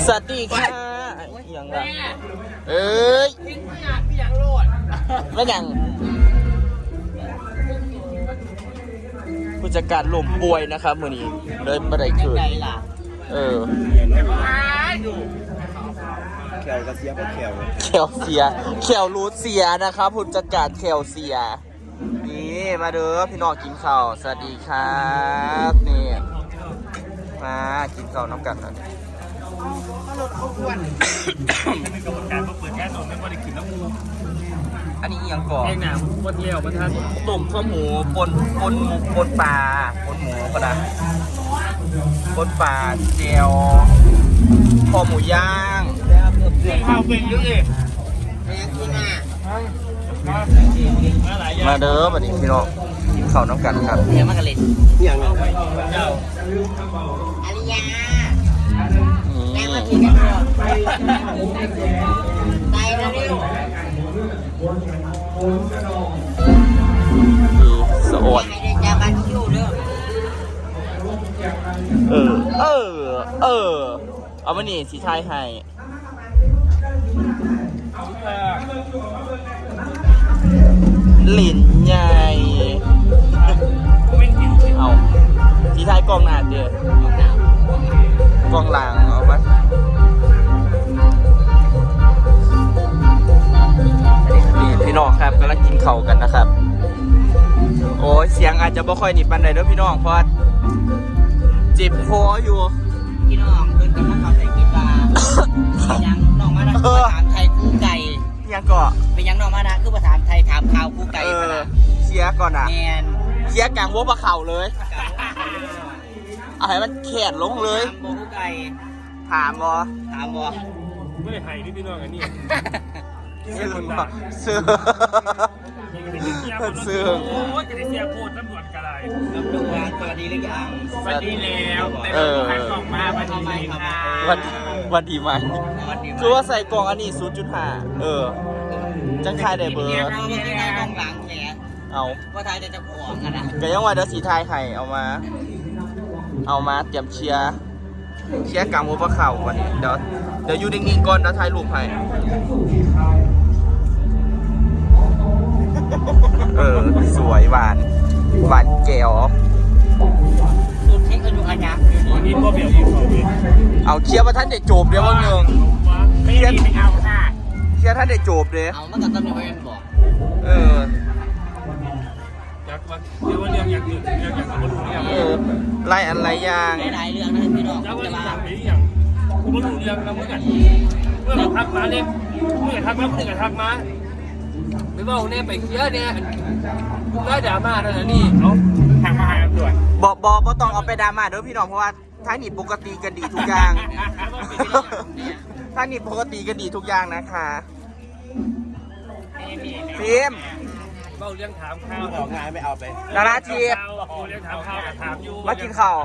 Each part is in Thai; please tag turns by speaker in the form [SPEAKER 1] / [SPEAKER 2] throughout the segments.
[SPEAKER 1] สวัสดีค่ะอย่างไรเอ้ย
[SPEAKER 2] พี่อยากโลด
[SPEAKER 1] แล้วอย่างผู้จัดการลมป่วยนะครับมือนี้เลยไม่ได้คืนแ
[SPEAKER 3] แขวกระเสียก็แขว
[SPEAKER 1] แขวรูดเสียนะครับผู้จัดการแขวเสียนี่มาเด้อพี่น้องกินข้าวสวัสดีครับนี่มากินข้าวน้ำกันนะ
[SPEAKER 2] เป็นกรรมการเปิดแค่ตรงไม่ว่าได้ขึ้นน้ำมู
[SPEAKER 1] อันนี้ยังก่อ
[SPEAKER 2] เองนะคนเดียวประธาน
[SPEAKER 1] ตุ่มข้าวหมูปนปลาปนหมูก็ได้ปนปลาเจียวคอหมูย่าง
[SPEAKER 2] ข้าวเป็นเยอะเลย
[SPEAKER 1] มาเด้อวันนี้พี่น้องกินข้าวน้ำกันครับ
[SPEAKER 2] เนี่ยมากระเล็ด
[SPEAKER 3] อย่าง
[SPEAKER 2] อาริยาแม่มากินกันเถอะไปแล้วเร็ว
[SPEAKER 1] สะอด
[SPEAKER 2] จะมาคิวเด้
[SPEAKER 1] อเอามานี่สีไทยให้หลินใหญ่เอาสีไทยกองหนาเดียวกองหลังเอาไหมนี่พี่น้องครับกำลังกินข้าวกันนะครับโอ้ยเสียงอาจจะบ่ค่อยหนีปันใดเด้อพี่น้องเพราะเจ็บคออยู่
[SPEAKER 2] พี่น้องเพิ่นกำลังเข้าใจคิดว่ายังน้องมานะคือภาษาไทยคู่ไก่
[SPEAKER 1] ยังก็
[SPEAKER 2] เป็นยังน้องมานะคือภาษาไทยถามข่าวคู่ไก่
[SPEAKER 1] เชียร์ก่อนอ่ะ
[SPEAKER 2] แมน
[SPEAKER 1] เชียร์กลางวัวปลาเข่าเลยเอาให้มันแขนลงเลย
[SPEAKER 2] คู่ไก่
[SPEAKER 1] ถามบ่
[SPEAKER 2] ไม่ได้ไทยนี่พี่น้องอันนี้
[SPEAKER 1] ซื้อ
[SPEAKER 2] โอ้ยจะได้เสียโคตรตำรวจกระไรตำรวจสวัสดีหรือยังสวัสดีแล้วแต่เราขายกล่องมาวันดีไหมครับ
[SPEAKER 1] วันดีไหมคือว่าใส่กล่องอันนี้ 0.5 จังทายได้เบอร์
[SPEAKER 2] เราไม่ได้กล่องหลังแหม
[SPEAKER 1] เอา
[SPEAKER 2] ว่าทายจะขวงกันนะ
[SPEAKER 1] ก็ยังว่าเดี๋ยวสีไทยไข่เอามาเตรียมเชียร์กลางวัวปลาเข่าก่อนเดี๋ยวอยู่นิ่งๆก่อนเดี๋ยวถ่ายรูปให้สวยหวานแก้ว
[SPEAKER 2] สุดเช็คอายุอาญะนี่ก็เบี่ยวยิงเขาดิ
[SPEAKER 1] เอาเชียร์ว่าท่านได้จบเดี๋ยววันหนึ่ง
[SPEAKER 2] ไม่เอาค่ะ
[SPEAKER 1] เชียร์ท่านได้จบเลย
[SPEAKER 2] เอาเมื่อกี้ตำรวจเป็นบอก
[SPEAKER 3] อยากเรื่องอยากมาดู
[SPEAKER 1] เนี่ยไล่อะไรอย่าง
[SPEAKER 2] หลายเรื่องนะพี่น้อง
[SPEAKER 3] จะมาอย่างกูมาดูเรื่องแล้วเมื่อกี้เมื่อทักมาเนี่ยเมื่อทักมาเมื่อทักมาไม่บอกเนี่ยไปเคลียร์เนี่ยกูได้ดราม่าแล้วนี่เอาทางมาหาตำรวจ
[SPEAKER 1] บอกต้องเอาไปดราม่าเด้อพี่น้องเพราะว่าท่านนี่ปกติกันดีทุกอย่างท่านนี่ปกติกันดีทุกอย่างนะคะฟิล์ม
[SPEAKER 3] เบ้าเรื่องถามข้าวออกงานไม่เอาไป
[SPEAKER 1] นาราที
[SPEAKER 3] เรื่องถามข้าวถามอยู่
[SPEAKER 1] มากินข้าว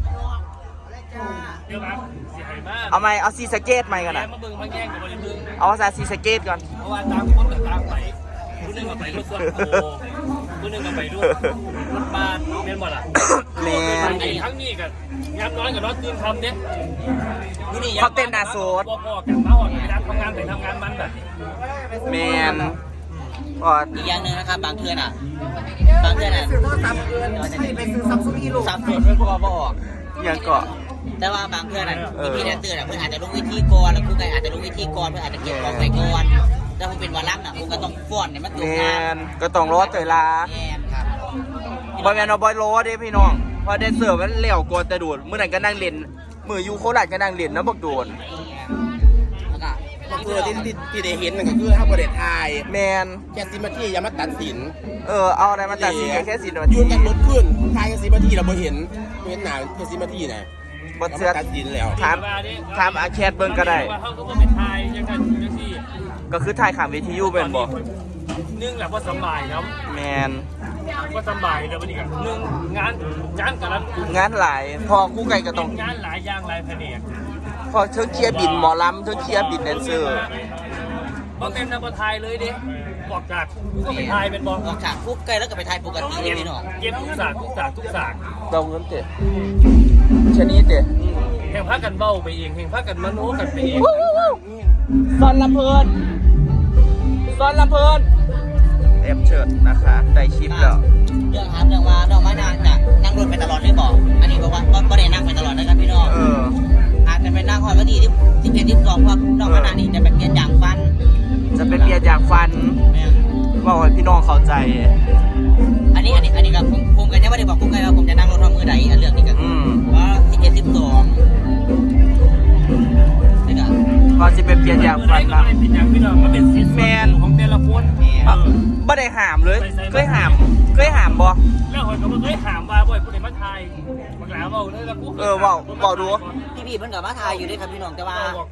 [SPEAKER 3] เดี๋ยวมาเสียหายมาก
[SPEAKER 1] เอาไหมเอาซีสเกตไหมกันนะ
[SPEAKER 3] มาเบิ่งมาแย่งกับบริบึง
[SPEAKER 1] เอาภาษาซีสเกตก่อน
[SPEAKER 3] เพราะว่าตามคนกับตามไปผู้นึงกับไปรถส่วนโตผู้นึงกับไปรถบ้านเมียนหมดอ่ะ
[SPEAKER 1] เมียน
[SPEAKER 3] ทั้งนี้กันย้ำน้อยกับน้อยตื่นทำเนี่ย
[SPEAKER 1] เขาเต้นนาโซด
[SPEAKER 3] พ่อกันมาหอดไปทำงานไปทำงานมันแบบ
[SPEAKER 1] เมียน
[SPEAKER 2] อีกอย่างหนึ่งนะครับบางเทือนซื้อโทรศัพท์เกินไปซื้อซัมซุงอีลูกซัมซุงไม่พอบอก
[SPEAKER 1] ยังเกาะ
[SPEAKER 2] แต่ว่าบางเพื่อนพี่แดนเตอร์เพื่อนอาจจะลงวิธีก่อนแล้วคู่ไก่อาจจะลงวิธีก่อนเพื่อนอาจจะเก็บของไปก่อนแต่ผมเป็นวาระน่ะผมก็ต้องฟ้อนเนี่ยมันตรงงาน
[SPEAKER 1] ก็ต้องรอเตยลา
[SPEAKER 2] ครับ
[SPEAKER 1] บอยแมนเอาบอยโรสดิพี่น้องพอแดนเซอร์มันเลี้ยวกวนแต่ดูดเมื่อไหร่ก็นั่งเล่นมือยูโคราชก็นั่งเล่นนะบอกโดน
[SPEAKER 3] ก็คือที่ได้เห็นมันก็คือถ้าประเด็นไอ
[SPEAKER 1] แมน
[SPEAKER 3] แค่10 นาทีอย่ามาตัดสิน
[SPEAKER 1] เอาอะไรมาตัดสินแค่10 นาที
[SPEAKER 3] ยืนกันรถขึ้นทายกัน10 นาทีเราไม่เห็นหนาแค่10 นาทีนะ
[SPEAKER 1] บทเสือ
[SPEAKER 3] ตัดสินแล้ว
[SPEAKER 1] ถามอาแคทเบิ้งก็ได้ก็คือถ่ายขามวิทยุเป็นบ่
[SPEAKER 3] นึ่งแหละว่าสบายครับ
[SPEAKER 1] แมน
[SPEAKER 3] ว่าสบายแล้ววันนี้กันนึ่งงานกับรับ
[SPEAKER 1] งานหลายพอกู้ไก่ก็ต้อง
[SPEAKER 3] งานหลายอย่างหลายแผนก
[SPEAKER 1] พอเชิงเคลียร์บินหมอลำเชิงเคลียร์บินแดนเซอร์
[SPEAKER 3] บางเต็มนะบอไทยเลยดิบอกจากก็ไปไทยเป็นบอก
[SPEAKER 2] จากคุกไก่แล้วก็ไปไทยปกติเลยพี่น้อง
[SPEAKER 3] เก็บทุกศาสตร์
[SPEAKER 1] เราเงินเตะชนิดเตะ
[SPEAKER 3] แค่งพากันเบ้าไปเองแห่งพากันมโนกันไปเอง
[SPEAKER 1] ซอนลำเพลินซอนลำเพลินแอบเชิดนะคะได้คลิปแล้ว
[SPEAKER 2] เรื่องถามเรื่องว่าน้องมานางจะนั่งรถไปตลอดหรือเปล่าอันนี้บอกว่าก็ได้นั่งไปตลอดนะครับพี่น้องอาจจะไปนั่งคอยวันที่11 12เพราะน้องมานางนี่จะไปเปลี่ยนยางฟัน
[SPEAKER 1] จะเป็นเบียร์จากฟันบอกให้พี่น้องเข้าใจ
[SPEAKER 2] อันนี้กับผมกันยังไม่ได้บอกผมกันว่าผมจะนั่งรถทอมือใดเรื่องนี้กันว่า11 12นี่กัน
[SPEAKER 1] ก็จะเป็นเบียร์จากฟัน
[SPEAKER 3] ก็
[SPEAKER 1] นะ
[SPEAKER 3] ไม่ได้เป็นอย่างพี่น้องก็เป็นซิสแมนของแต่ละคน
[SPEAKER 1] ไม่ได้หามเลยเคยหามบ่
[SPEAKER 3] แล้วหอยก็มาเคยถามว่าบ่อยผู้ใดมาทายบางหลาเบาเลยแล้วกู
[SPEAKER 1] ดู
[SPEAKER 2] พี่เพิ่นกับมาทายอยู่ด้วยครับพี่น้องแต่ว่า
[SPEAKER 3] บอกไป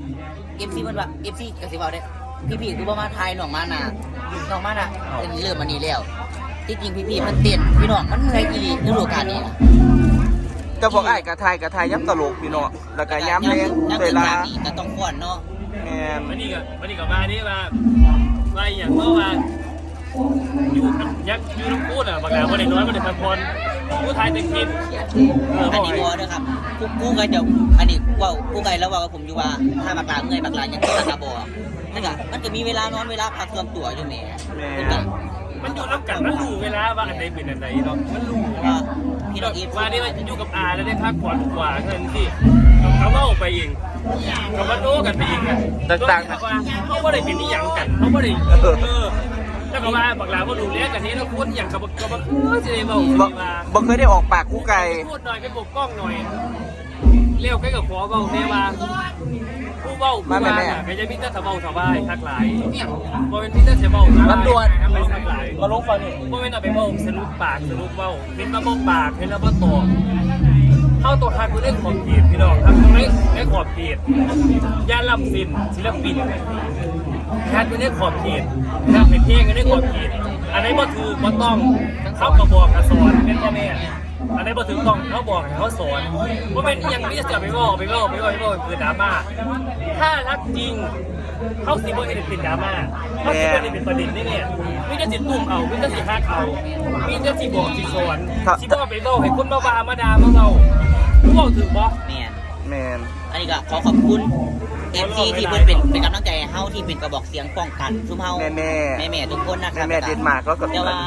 [SPEAKER 2] MC เพิ่นว่า MC กับสิเว้าได้พี่คือบ่มาทายน้องมาน่ะน้องมาน่ะเป็นเริ่มอันนี้แล้วที่จริงพี่มันเต้นพี่น้องมันเมื่อยอีหลีฤดูกาลนี้นะ
[SPEAKER 1] จะบอกไอ้กระทายย้ำตลกพี่น้องแล้วก็ย้ำแรง
[SPEAKER 2] น้ำ
[SPEAKER 1] เว
[SPEAKER 2] ถึง
[SPEAKER 1] ลา
[SPEAKER 2] จากนี้ก็ต้องฟ้อนเนาะ
[SPEAKER 1] แมน
[SPEAKER 3] วันนี้ก็มานี่ว่าอย่างเมื่อวานอยู่ยักอยู่น้ำพูดอ่ะบางหลาบ่ได้น้อยบ่ได้พักผ่อนผู้ทายแต่คลิป
[SPEAKER 2] อันนี้บ่เด้อครับกูก็จะอันนี้เว้ากูก็แล้วว่ากับผมอยู่ว่าถ้าบักลาเมื่อยบักลายังตาบ่นั่นก็มันก็มีเวลานอนเวลาพักส่วนตัวอยู่แหม
[SPEAKER 3] มันอยู่น้ำกันมันรู้เวลาว่าอันไหนเป็นอันไหนเนาะมันรู้
[SPEAKER 2] ว่าพี่น้องอีฟ
[SPEAKER 3] ว่านี่ว่าอยู่กับอาแล้วได้พักผ่อนกว่าเงินสิเขาเล่าไปเองเขามาโน้กันไปเองกันว่าเขาไม่ได้เป็นนิยังกันเขาไม่ได้แล้วก็ว่าบักหลาว่าดูแลกันนี้แล้วพูดอย่างกับจะได้บอกว่า
[SPEAKER 1] บ่เคยได้ออกปากคู่ไก่
[SPEAKER 3] พูดหน่อยไปปกป้องหน่อยเลี้ยวใกล้กับขอเบาเนว่าผู้เบาผู้ว่าก็จะมีแต่สบายสบายทักหลายบ่เป็นพี่แต่เสียเบาสบายทักหลาย
[SPEAKER 1] มาลงฟังนี่
[SPEAKER 3] บ่เป็นเอาไปเบาสรุปปากสรุปเบาเป็นมาบอกปากเป็นมาบอกตัวเข้าตัวฮักคือเล่นขอบเขตพี่น้องทำตรงนี้ได้ขอบเขตย่าลำสินศิลปินฮักคือเล่นขอบเขตฮักเป็นเพลงก็ได้ขอบเขตอันนี้บ่ถือบ่ต้องเขาก็บอกกับสอนเป็นพ่อแม่อันนี้บ่ถือต้องเขาบอกให้เขาสอนว่าเป็นยังไม่จะไปบอกคือดราม่าถ้ารักจริงเขาสิบ่เห็นเป็นดราม่าเขาสิบ่เห็นเป็นประเด็นนี่เนี่ยมิจะสิตุ้มเอามิจะสิฮักเอามิจะสิบอกสิสอนสิบ่ไปบอกให้คนมาว่ามาด่ามาเว้าผู้เว้าถือบ่
[SPEAKER 2] แม่น
[SPEAKER 1] แมน
[SPEAKER 2] อันนี้ก็ขอขอบคุณ MC ที่เพิ่นเป็นกำลังใจให้เฮาที่เป็นกระบอกเสียงป้องกันซุ่มเฮาแม่ทุกคนนะครับ
[SPEAKER 1] แม่เดนมาร์กแล้วก็
[SPEAKER 2] แต่ว่า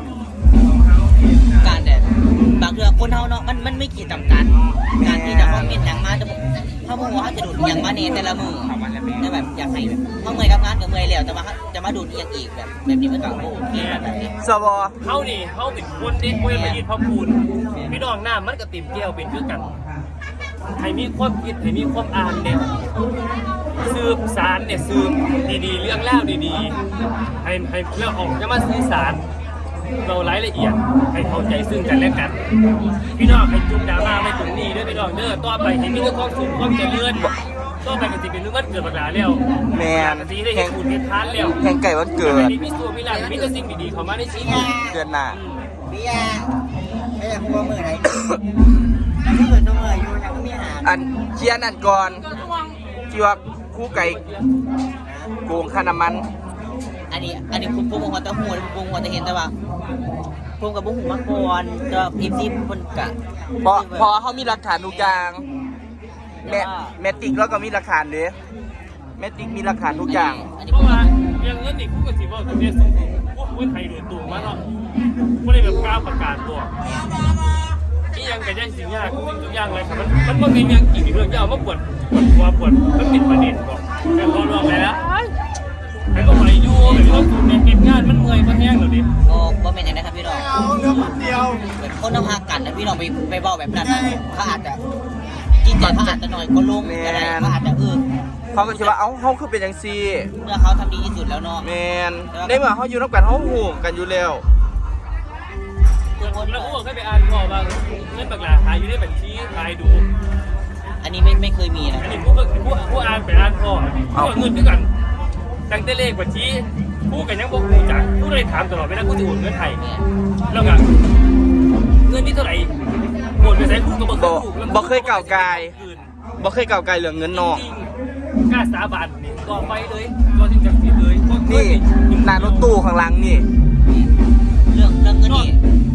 [SPEAKER 2] การแต่บางเรื่องคนเฮาเนาะมันไม่ขีดจำกัดการที่จะคอมเมนต์หยังมาจะเขาบอกว่าเขาจะดูดหยังมาในแต่ละมือแต่แบบอยากให้เขาเมื่อยกับงานกับเมื่อยแล้วแต่ว่าจะมาดูดอีกแบบนี้มันก็โอเคแบบนี้
[SPEAKER 1] สว
[SPEAKER 3] เขานี่เขาเป็นคนเด็กเว้ยมายินพ่อพูนพี่น้องหน้ามันก็ติ่มแก้วเป็นคือกันให้มีความคิดให้มีความอ่านเนี่ยสืบสารเนี่ยสืบดีๆเรื่องเล่าดีๆให้เรื่องออกจะมาสื่อสารเรารายละเอียดให้เข้าใจซึ่งกันและกันพี่น้องให้จุ่มดราม่าไม่ตรงนี้ด้วยพี่น้องเด้อต่อไปเห็นมีเรื่องความสุขความเจริญต่อไปก็จะเป็นเรื่องวันเกิดบักหลาแล้ว
[SPEAKER 1] แมน
[SPEAKER 3] สีได้เห็นคุณเห็นทานแล้ว
[SPEAKER 1] แข่งไก่วันเกิด
[SPEAKER 3] มีพี่สัวพี่หลานมีแต่สิ่งดีๆเข้ามาในชีวิต
[SPEAKER 1] เดือนหน้า
[SPEAKER 2] พี่ยาไม่อยากพูดว่ามือไหนยังไม่เปิดตัวมืออยู่ยังไม่มีอาหาร
[SPEAKER 1] อันเชียร์นั่นก่อนที่ว่าคู่ไก่โกงค่าน้ำมัน
[SPEAKER 2] อันนี้ผมหัวตะหูผมหัวตะเห็นแต่ว่าผมกับบุ้งหูมาก่อนจะMCคนกะ
[SPEAKER 1] พอเขามีหลักฐานทุกอย่างแมติกแล้วก็มีหลักฐานเด้แมติกมีหลักฐานทุกอย่าง
[SPEAKER 3] เพราะว่าอย่างนั้นนี่กูก็สิบอกตรงนี้ซึ่งกูไทยโดยตรงมาเนาะไม่ได้แบบกล้าประกาศตัวที่ยังกระจายสิ่งยากทุกอย่างเลยมันก็มีอย่างกี่เรื่องยาวมาปวดหัวปวดมันเป็นประเด็นบอกแต่พอรวมไปแล้วไอ้ก็ไหวอยู่แบบต้องเก็บงานมันเมื่อยมันแห้งหรอดิ
[SPEAKER 2] โอ้บ่เป็นอย่างนั้นครับพี่น้องแบบคนต้องหากันนะพี่น้องไปบอกแบบนั้นเขาอาจจะจิตใจเขาอาจจะหน่อยก็ลงอะไรเขาอาจจะ
[SPEAKER 1] เขาก็คิดว่าเขาคือเป็นอย่างซี
[SPEAKER 2] เมื่อเขาทำดีที่สุดแล้วเนาะ
[SPEAKER 1] แมนในเมื่อเขาอยู่นับกันเขาห่วงกันอยู่แล้ว
[SPEAKER 3] แล้วกูบอกให้ไปอ่านก่อนว่าเงินบักหลาหายอยู่ในบัญชีหายดู
[SPEAKER 2] อันนี้ไม่เคยมีนะ
[SPEAKER 3] อันนี้กูอ่านไปอ่านก่อนกูเงินด้วยกันตั้งแต่เลขบัญชีกูกันยังบอกกูจักกูเลยถามตลอดเวลากูจะโอนเงินไทยแล้วกันเงินนี่เท่าไหร่โอนไปใช้กูก็
[SPEAKER 1] บ่เคยเก่าไกลบ่เคยเก่าไกลเหลืองเงินนอก
[SPEAKER 3] กล้าสาบานนี่ต่อไปเลยก็ถึงจะผิดเลย
[SPEAKER 1] นี่นารถตู้ข้างหลังนี่
[SPEAKER 2] เรื่องเงินนี่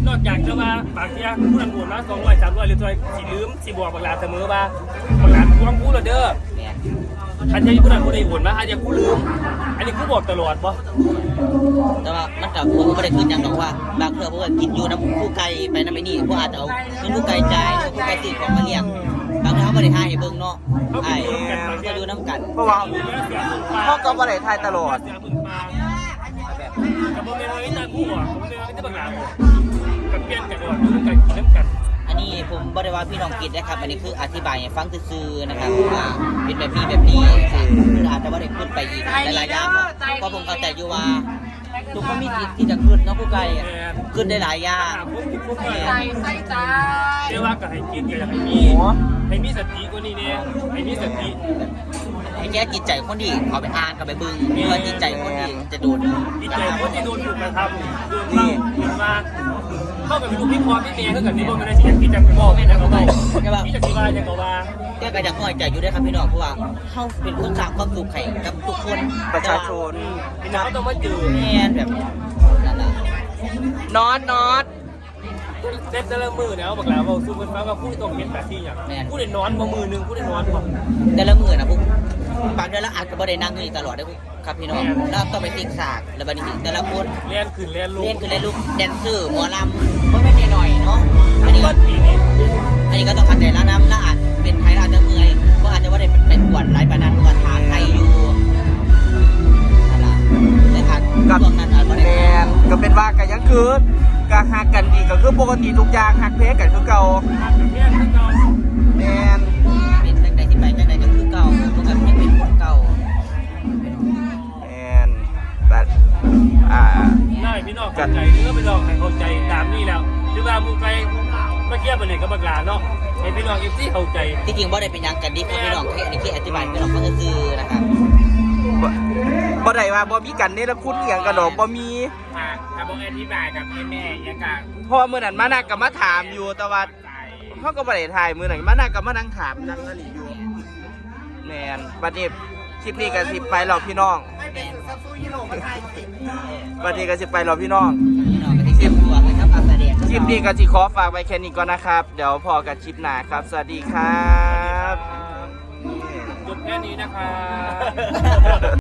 [SPEAKER 3] นอกจากจะว่าบางทีผู้นำบุญมา200 300หรือตัวสิลืมสิบอกบางหลานเสมอว่าบางหลานทวงกูแล้วเด้อ
[SPEAKER 2] เนี่ย
[SPEAKER 3] อันนี้ผู้นำผู้ใดบุญมาอันนี้กูลืมอันนี้กูบอกตลอดป่ะ
[SPEAKER 2] แต่ว่ามันกับผมไม่ได้ขึ้นอย่างหรอกว่าบางเพื่อพวกกินอยู่น้ำคู่ไก่ไปน้ำไอ้นี่พวกอาจจะเอาเงินคู่ไก่ใจายคู่ไก่ตีของมาเลี้ยงบางทีเขาไม่ได้ให้เบิ่งเนาะไอ้เขาอยู่น้ำกัน
[SPEAKER 1] เพราะว่าพ่อก็บ่ได้ทายตลอด
[SPEAKER 3] เสียบุญมาแบบกับโมเมนต์นี้ตาคู่อ่ะโมเมนต์นี้ตาบางหลานกับเปลี่ยนกันด้วยดูกันกินน้ำกัน
[SPEAKER 2] อันนี้ผมบอกได้ว่าพี่น้องกินนะครับอันนี้คืออธิบายให้ฟังซื่อๆนะครับว่าเป็นแบบนี้คืออาจจะว่าได้ขึ้นไปอีกหลายๆอย่างเพราะผมเข้าใจอยู่ว่าทุกคนมีสิทธิ์ที่จะขึ้นเนาะผู้ไกลขึ้นได้หลายอย่าง
[SPEAKER 3] ใส่ใจเรียกว่ากับให้กินกับให้มีสติกว่านี้เนี่ยให้มีสติ
[SPEAKER 2] ให้แก้จิตใจคนที่เขาไปอ่านกับไปบึงเพื่อจิตใจคนที่จะโดน
[SPEAKER 3] จิตใจคนที่โดนถูกกระทำโดนเล่าโดนมาเข้ากับลูกพี่พ่อพี่เมย์เท่ากับนี่พวกมันได้สิ่งที่จะบอกแม่จะเขาบอกพี่จะคิดว่าจะเขาว่า
[SPEAKER 2] แก้กระดับน้อยใจอยู่ด้วยครับพี่น้องเพราะว่าเขาเป็นคนสร้างความสุขให้กับทุกคน
[SPEAKER 1] ประชาชน
[SPEAKER 3] พี่น้องต้องมาเจอ
[SPEAKER 2] แม่แบบนั่นแหละ
[SPEAKER 1] นอต
[SPEAKER 3] เซ็ตแต่ละมือเนี่ยเอาบอกแล้วว่าสู้กันฟ้าว่าผู้ที่ต้องเห็นแต่ที่อย่างผู้เด่นนอนมามือนึงผู้เด่นนอนก่อน
[SPEAKER 2] แต่ละมือนะพวกบางเดือนละอาจจะไม่ได้นั่งอยู่ตลอดได้พวกครับพี่น้องแล้วต้องไปติ๊กสากแล้วบัดนี้แต่ละคน
[SPEAKER 3] เล่นขึ้นเล่นลง
[SPEAKER 2] เล่นคือเล่นลูกแดนเซอร์หมอลำก็ไม่ได้หน่อยเนาะอันนี้
[SPEAKER 3] ก็ปีนี้
[SPEAKER 2] ก็ต้องขัดใจแล้วน้ำละอาจเป็นไทยอาจจะเมื่อยก็อาจจะว่าได้เป็นกวนหลายปานนั้นว่าทางไทยอยู่อะไรแต่อาจช่วงนั้นอาจจะ
[SPEAKER 1] แม
[SPEAKER 2] ได้
[SPEAKER 1] นก็เป็นว่ากันยังคือการหักกันดีก็คือปกติทุกอย่างหักเพกันคือเก่า
[SPEAKER 3] เล่นขึ้นเรา
[SPEAKER 1] แมน
[SPEAKER 2] เป็นจังใดที่ไปจังใดก็คือเก่าพวกแบบยังเป็นคนเก่า
[SPEAKER 1] แมนแต่
[SPEAKER 3] ได้พี่น้องเข้าใจเนื้อพี่น้องให้เข้าใจตามนี่แล้วหรือว่ามึงไปเมื่อกี้ไปเลยกับบักหลาเนาะให้พี่น้องเอฟซีเข้าใจ
[SPEAKER 2] ที่จริงบ่ได้เป็นยังกันดีเพราะพี่น้องแค่อันนี้แค่อธิบายพี่น้องก็คือนะครับ
[SPEAKER 1] บ่ได้ว่าบ่มีกันนี่แล้วคุณเอียงกันดอกบ่มี
[SPEAKER 3] ถ้าบอกอธิบายกับแม่ยังกะ
[SPEAKER 1] เพราะว่ามื้อนั้นมานักก็มาถามอยู่แต่ว่าเขาก็บ่ได้ถ่ายมื้อนั้นมานักก็มานั่งถามนั่งนั่นอยู่แมนบัดนี้คลิปนี้ก็สิไปหรอกพี่น้องบัดนี้ก็สิไปหรอกพี่น้อง
[SPEAKER 2] พี่น้องก็ที่เก็บตัวเลยครับการแสดง
[SPEAKER 1] คลิปนี้ก็สิขอฝากไว้แค่นี้ก่อนนะครับ เดี๋ยวพอกันคลิปหน้าครับ สวัสดีครับ
[SPEAKER 3] จบแค่นี้นะครับ